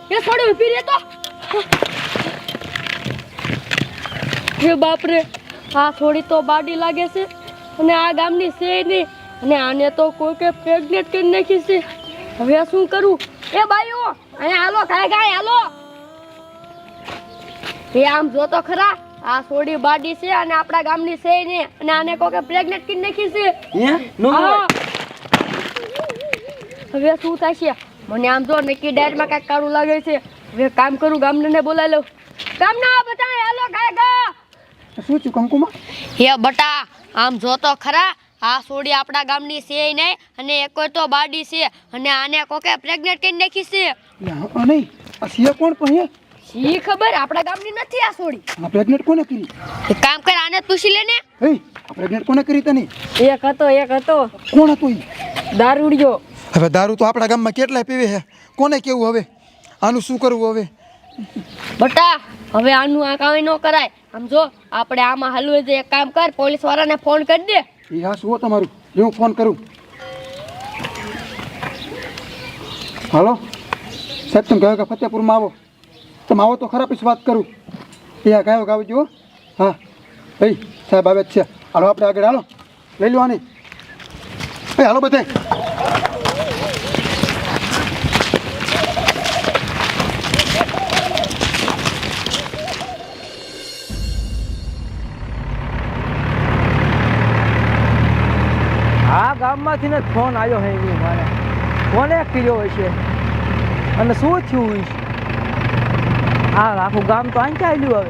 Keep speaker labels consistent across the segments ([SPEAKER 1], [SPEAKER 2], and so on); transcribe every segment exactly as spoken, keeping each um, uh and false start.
[SPEAKER 1] એ છોડી ઊભી રહે તો હે બાપ રે આ થોડી તો બાડી લાગે છે અને આ ગામની છે નહીં અને આને તો કોઈ કે પ્રેગ્નેટ કરી નાખી છે હવે શું કરું એ બાઈઓ અહીંયા હાલો કાય કાય હાલો એ આમ જો તો ખરા આ છોડી બાડી છે અને આપણા ગામની છે નહીં અને આને કોઈ કે પ્રેગ્નેટ કરી નાખી છે
[SPEAKER 2] હે નો
[SPEAKER 1] હવે શું થશે મને આમ જો નક્કી ડાયરમાં કાંઈક કાળું લાગે છે હવે કામ કરું ગામડાને બોલાવી લઉં ગામના બધા હાલો કાય કા
[SPEAKER 2] શું છું કંકુમાં
[SPEAKER 1] હે બટા આમ જો તો ખરા આ સોડી આપણા ગામની છે નહીં અને એકો તો બાડી છે અને આને કોકે પ્રેગ્નેટ કરી નાખી છે
[SPEAKER 2] નહીં આ સિયા કોણ પણ
[SPEAKER 1] શી ખબર આપણા ગામની નથી આ સોડી
[SPEAKER 2] આ પ્રેગ્નેટ કોને કરી
[SPEAKER 1] એક કામ કર આને પૂછી લે ને
[SPEAKER 2] એ આ પ્રેગ્નેટ કોને કરી તને
[SPEAKER 1] એક હતો એક હતો
[SPEAKER 2] કોણ હતો ઈ
[SPEAKER 1] દારૂડિયો
[SPEAKER 2] હવે દારૂ તો આપણા ગામમાં કેટલાય પીવે છે કોને કેવું હવે આનું શું કરવું હવે
[SPEAKER 1] બટા હવે આનું આ કાંઈ ન કરાય આમ જો આપણે આમાં હાલવું છે એક કામ કર પોલીસ વાળાને ફોન કરી દે
[SPEAKER 2] એ હા શું તમારું હું ફોન કરું હાલો સાહેબ તમે કહો કે ફતેપુરમાં આવો તમે આવો તો ખરા પછી વાત કરું એ હા ગાયો ગાવ જુઓ હા ભાઈ સાહેબ આવે જ છે હાલો આપણે આગળ હાલો લઈ લો આની એ હાલો બધે
[SPEAKER 3] આ ગામમાંથી ને ફોન આવ્યો હે એની મારે કોને કર્યો હોય છે અને શું થયું હોય છે આ આખું ગામ તો આંચા આવ્યું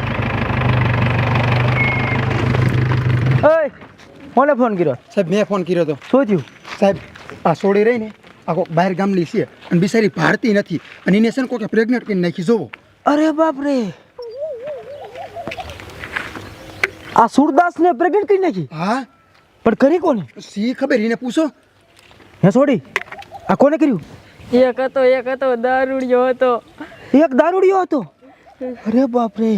[SPEAKER 3] હવે ઓય કોને ફોન કર્યો
[SPEAKER 2] સાહેબ મેં ફોન કર્યો હતો
[SPEAKER 3] શું થયું
[SPEAKER 2] સાહેબ આ સોડી રહી ને આખો બહાર ગામની છે અને બિચારી ભારતી નથી અને એને છે ને કોઈ પ્રેગ્નેટ કરીને નાખી જોવો
[SPEAKER 3] અરે બાપ રે આ સુરદાસને પ્રેગ્નેટ કરી નાખી
[SPEAKER 2] હા
[SPEAKER 3] પણ કરી કોને
[SPEAKER 2] સી ખબર એને પૂછો
[SPEAKER 3] હે છોડી આ કોને કર્યું
[SPEAKER 1] એક હતો એક હતો દારૂડિયો હતો
[SPEAKER 3] એક દારૂડિયો હતો અરે બાપ રે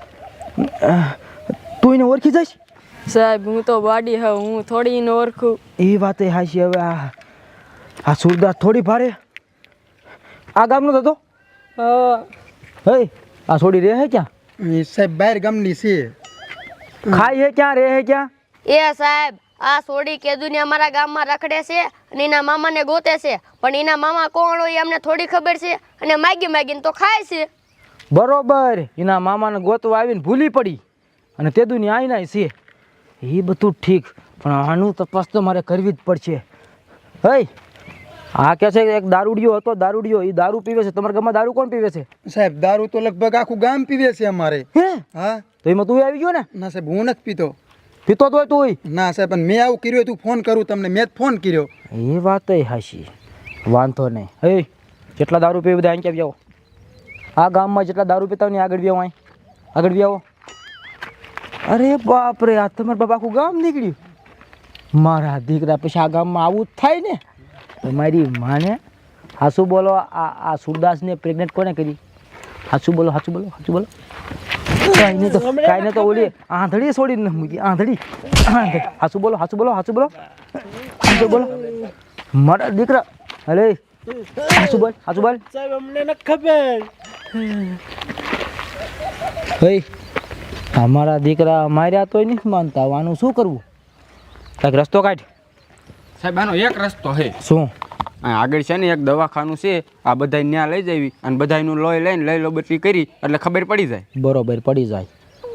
[SPEAKER 3] તું એને ઓળખી જઈશ
[SPEAKER 1] સાહેબ હું તો બાડી હા હું થોડી ન ઓળખું
[SPEAKER 3] એ વાત એ હાશી હવે આ આ સુરદાસ થોડી ભારે આ ગામનો હતો
[SPEAKER 1] હા
[SPEAKER 3] હે આ છોડી રહે હે ક્યાં
[SPEAKER 2] એ સાહેબ બહાર ગામની છે
[SPEAKER 3] ખાય હે ક્યાં રહે હે ક્યાં
[SPEAKER 1] એ સાહેબ આ સોડી કેદુની અમારા ગામમાં રખડે છે અને એના મામાને ગોતે છે પણ એના મામા કોણ હોય અમને થોડી ખબર છે અને માગી માગીને તો ખાય છે
[SPEAKER 3] બરોબર એના મામાને ગોતવા આવીને ભૂલી પડી અને તે દુનિયા આઈ નાય છે એ બધું ઠીક પણ આનું તપાસ તો મારે કરવી જ પડશે હે આ કે છે એક દારૂડિયો હતો દારૂડિયો એ દારૂ પીવે છે તમારા ગામમાં દારૂ કોણ પીવે છે
[SPEAKER 2] સાહેબ દારૂ તો લગભગ આખું ગામ પીવે છે અમારે
[SPEAKER 3] હે
[SPEAKER 2] હા
[SPEAKER 3] તો એમાં તું આવી ગયો ને
[SPEAKER 2] ના સાહેબ હું નથી પીતો
[SPEAKER 3] પીતો તો હોય તું
[SPEAKER 2] ના સાહેબ પણ મેં આવું કર્યું તું ફોન કરું તમને મેં જ ફોન કર્યો
[SPEAKER 3] એ વાત હાશી વાંધો નહીં હે જેટલા દારૂ પીવે બધા અહીં ક્યાં આવો આ ગામમાં જેટલા દારૂ પીતા હોય ને આગળ બી આવો અહીં આગળ બી આવો અરે બાપ રે આ તમારા બાપા આખું ગામ નીકળ્યું મારા દીકરા પછી આ ગામમાં આવું જ થાય ને તમારી માને હાસુ બોલો આ આ સુરદાસને પ્રેગ્નેટ કોને કરી હાસુ બોલો હાસુ બોલો હાસુ બોલો કાંઈ નહીં તો કાંઈ નહીં તો ઓલી આંધળી છોડી ન મૂકી આંધળી હાસુ બોલો હાસુ બોલો હાસુ બોલો હાસુ બોલો મારા દીકરા અરે હાસુ બોલ હાસુ બોલ
[SPEAKER 4] સાહેબ અમને ન ખબર
[SPEAKER 3] હે અમારા દીકરા માર્યા તોય નથી માનતા આનું શું કરવું કાંઈક રસ્તો કાઢ
[SPEAKER 5] સાહેબ આનો એક રસ્તો છે
[SPEAKER 3] શું
[SPEAKER 5] આગળ છે ને એક દવાખાનું છે આ બધા ત્યાં લઈ જવી અને બધાનું લોહી લઈને લઈ લો બધી કરી એટલે ખબર પડી જાય
[SPEAKER 3] બરોબર પડી જાય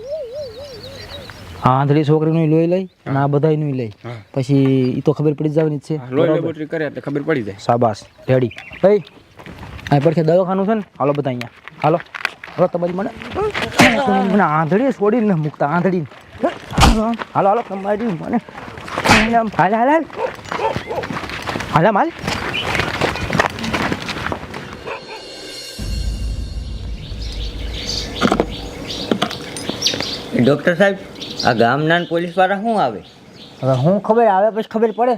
[SPEAKER 3] આ આંધળી છોકરીનું લોહી લઈ અને આ બધાનું લઈ પછી એ તો ખબર પડી જવાની જ છે
[SPEAKER 5] લોહી લેબોરેટરી કરે એટલે ખબર પડી જાય
[SPEAKER 3] શાબાશ રેડી હે આ પડખે દવાખાનું છે ને હાલો બધા અહીંયા હાલો હાલો તમારી મને મને આંધળી છોડી ને મૂકતા આંધળી હાલો હાલો તમારી મને હાલ હાલ હાલ હાલ હાલ
[SPEAKER 6] ડૉક્ટર સાહેબ આ ગામના પોલીસ વાળા શું આવે
[SPEAKER 3] હવે હું ખબર આવે પછી ખબર પડે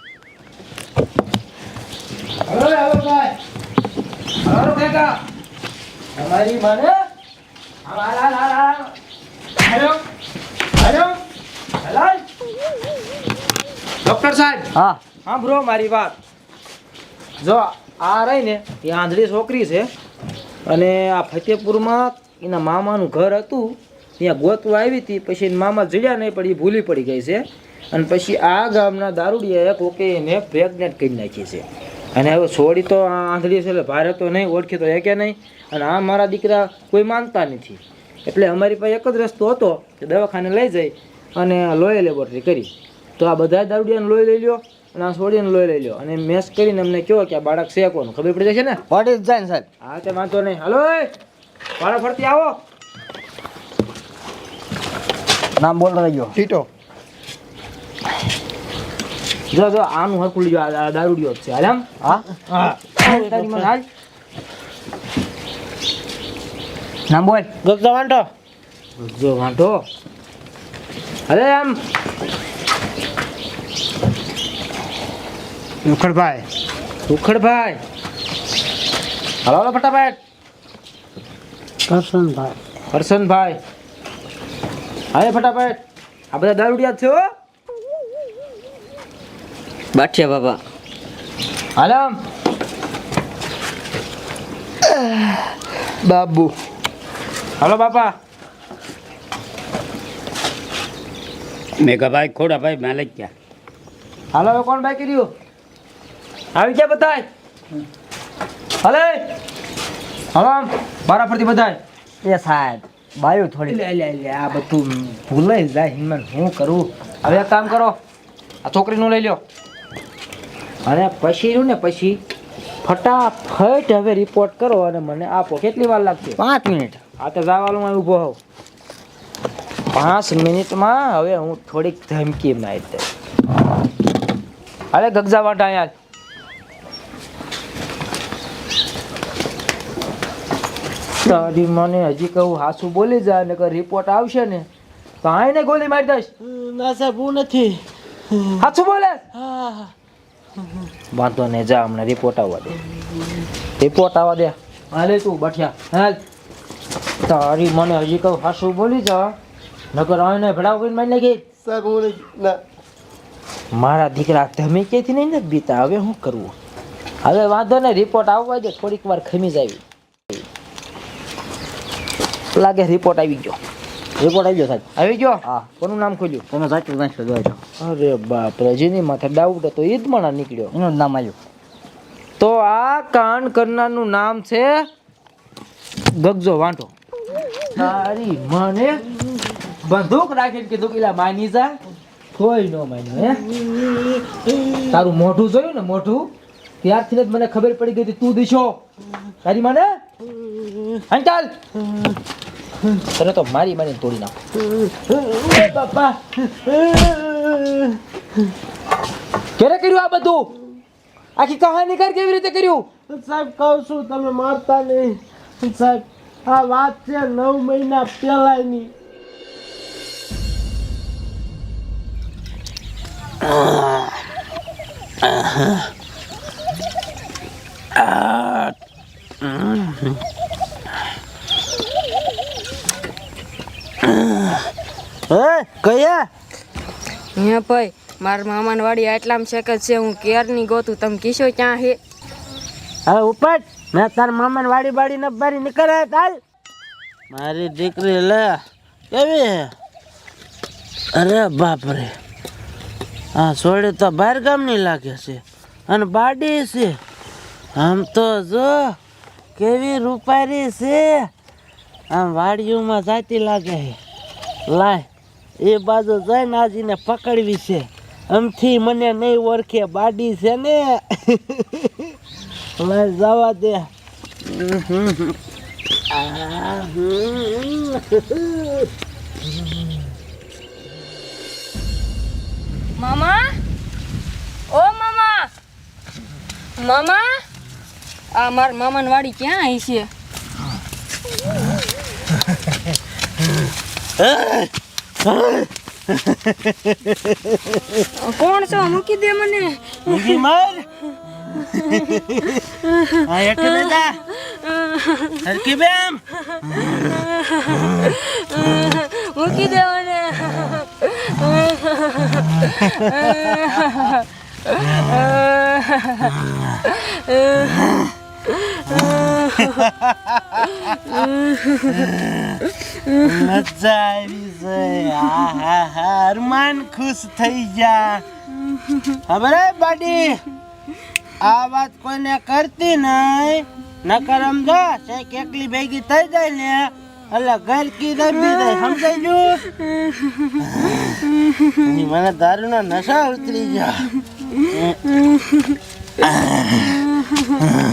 [SPEAKER 2] હલો હલો ભાઈ હલો કાકા
[SPEAKER 3] તમારી મને હાલ હાલ હાલ હાલ
[SPEAKER 2] હેલો હેલો
[SPEAKER 3] હાલ
[SPEAKER 2] ડોક્ટર સાહેબ
[SPEAKER 3] હા સાંભળો મારી વાત જો આ રહી ને એ આંધળી છોકરી છે અને આ ફતેપુરમાં એના મામાનું ઘર હતું ત્યાં ગોતવા આવી હતી. પછી એના મામા જડ્યા નહીં પણ એ ભૂલી પડી ગઈ છે. અને પછી આ ગામના દારૂડિયાએ કોકે એને પ્રેગ્નેન્ટ કરી નાખી છે. અને હવે છોડી તો આ આંધળી છે એટલે ભારે તો નહીં, ઓળખી તો કે નહીં. અને આ મારા દીકરા કોઈ માનતા નથી. એટલે અમારી પાસે એક જ રસ્તો હતો કે દવાખાને લઈ જઈ અને લોહી લેબોરેટરી કરી. તો આ બધા દારૂડિયાને લોહી લઈ લ્યો અને આ છોડીને લોહી લઈ લ્યો અને મેસ કરીને અમને કહો કે આ બાળક છે કોનું, ખબર પડી જશે ને?
[SPEAKER 6] વોટ ઇઝ જાઈન સાહેબ?
[SPEAKER 3] હા તે વાંધો નહીં. હાલો એ બાળક ફરતી આવો.
[SPEAKER 6] નામ બોલ રહ્યો.
[SPEAKER 2] ટીટો.
[SPEAKER 3] જો જો આનું હરખું લીજો, આ દારૂડિયો જ છે. હાલ આમ
[SPEAKER 6] હા
[SPEAKER 3] હા તારી મને હાલ.
[SPEAKER 6] નામ બોલ.
[SPEAKER 3] ગગજો વાંટો ગગજો વાંટો અરે આમ
[SPEAKER 6] ઉખડભાઈ.
[SPEAKER 3] સુખડભાઈ. હાલો હાલો ફટાફટ.
[SPEAKER 6] કરશનભાઈ.
[SPEAKER 3] હર્ષનભાઈ. હા ફટાફટ. આ બધા દારૂડિયા જ છે હો.
[SPEAKER 6] બાઠિયા બાબા.
[SPEAKER 3] હાલ આમ
[SPEAKER 2] બાબુ.
[SPEAKER 3] હાલો બાપા.
[SPEAKER 4] મેઘાભાઈ ખોડાભાઈ માલિક્યા.
[SPEAKER 3] હાલો હવે કોણ બાકી રહ્યું? આવી ગયા બધાય? હાલે હાલો આમ બારા ફરતી બધાય.
[SPEAKER 6] એ સાહેબ બાયું થોડી.
[SPEAKER 3] લે લે લે આ બધું ભૂલાઈ જાય હિંમત હું કરું. હવે એક કામ કરો, આ છોકરીનું લઈ લ્યો અને પછી રહ્યું ને પછી ફટાફટ હવે રિપોર્ટ કરો અને મને આપો. કેટલી વાર લાગશે?
[SPEAKER 6] પાંચ મિનિટ.
[SPEAKER 3] આ તો જવાનું હું ઊભો હોઉં. પાંચ મિનિટમાં હવે હું થોડીક ધમકી મારી દઈશ. અરે ગગજા વાટા યાર. તારી મને હજી કહું હાસુ બોલી જાય ને રિપોર્ટ આવશે ને તો આઈને ગોલી મારી દઈશ.
[SPEAKER 6] ના સાહેબ હું નથી.
[SPEAKER 3] હાસુ બોલે? વાંધો નહીં, જા હમણાં રિપોર્ટ આવવા દે. રિપોર્ટ આવવા દે. હાલે તું બઠિયા હાલ. તારી મને હજી કહું હાસુ બોલી જા નકર આઈને ભડાવ કરીને મારી નાખી.
[SPEAKER 2] સાહેબ હું ના.
[SPEAKER 3] મારા દીકરા ધમકીથી નહીં ને બીતા. હવે શું કરવું? હવે વાંધો ને રિપોર્ટ આવવા દે. થોડીક વાર ખમી જાય લાગે. રિપોર્ટ આવી ગયો.
[SPEAKER 6] રિપોર્ટ આવી ગયો સાહેબ.
[SPEAKER 3] આવી ગયો?
[SPEAKER 6] હા.
[SPEAKER 3] કોનું નામ ખોલ્યું?
[SPEAKER 6] તમે સાચું નાખશો જોઈ.
[SPEAKER 3] અરે બાપ રે, જેની માથે ડાઉટ હતો ઈદ મણા નીકળ્યો.
[SPEAKER 6] એનું જ નામ આવ્યું.
[SPEAKER 3] તો આ કાંડ કરનારનું નામ છે ગગજો વાંટો. તારી મને બંદૂક રાખીને કીધું કે લા માની જા. કોઈ ન માન્યું. હે તારું મોઢું જોયું ને મોઢું ત્યારથી જ મને ખબર પડી ગઈ હતી તું દીશો. તારી મને અંચાલ તને તો મારી મારી તોડી નાખ. બાપા ક્યારે કર્યું આ બધું? આખી કહાની કર કેવી રીતે કર્યું?
[SPEAKER 7] સાહેબ કહું છું તમે મારતા નહીં. સાહેબ આ વાત છે નવ મહિના પહેલાની.
[SPEAKER 6] કયા
[SPEAKER 8] હે ભાઈ મારા મામાની વાડી આટલામાં છે કે છે હું કેરની ગોતું તમે કીશો ક્યાં હે?
[SPEAKER 7] હવે ઉપર મેં તાર મામાની વાડી બાડી ન બારી નીકળે તાલ. મારી દીકરી લે કેવી હે? અરે બાપ રે, આ છોડી તો બહાર ગામની લાગે છે અને બાડી છે. આમ તો જો કેવી રૂપારી છે. આમ વાડીઓમાં જાતી લાગે છે. લાય એ બાજુ જઈને આજીને પકડવી છે. આમથી મને નહીં ઓળખે, બાડી છે ને. લાય જવા દે.
[SPEAKER 8] મામા, ઓ મામા, મામા, આ મારા મામાની વાડી ક્યાં આવી છે? કોણ છો? મૂકી દે મને.
[SPEAKER 7] મૂકી માર. આ હેઠે બેઠા હરકી બેમ.
[SPEAKER 8] મૂકી દે મને.
[SPEAKER 7] મજા આવી છે હા હા હા અરમાન ખુશ થઈ ગયા ખબર હે બાડી આ વાત કોઈને કરતી નહીં નકર સમજો શેક એકલી ભેગી થઈ જાય ને એટલે ઘર કી દબી જાય સમજાઈ ગયું મને દારૂના નશા ઉતરી ગયા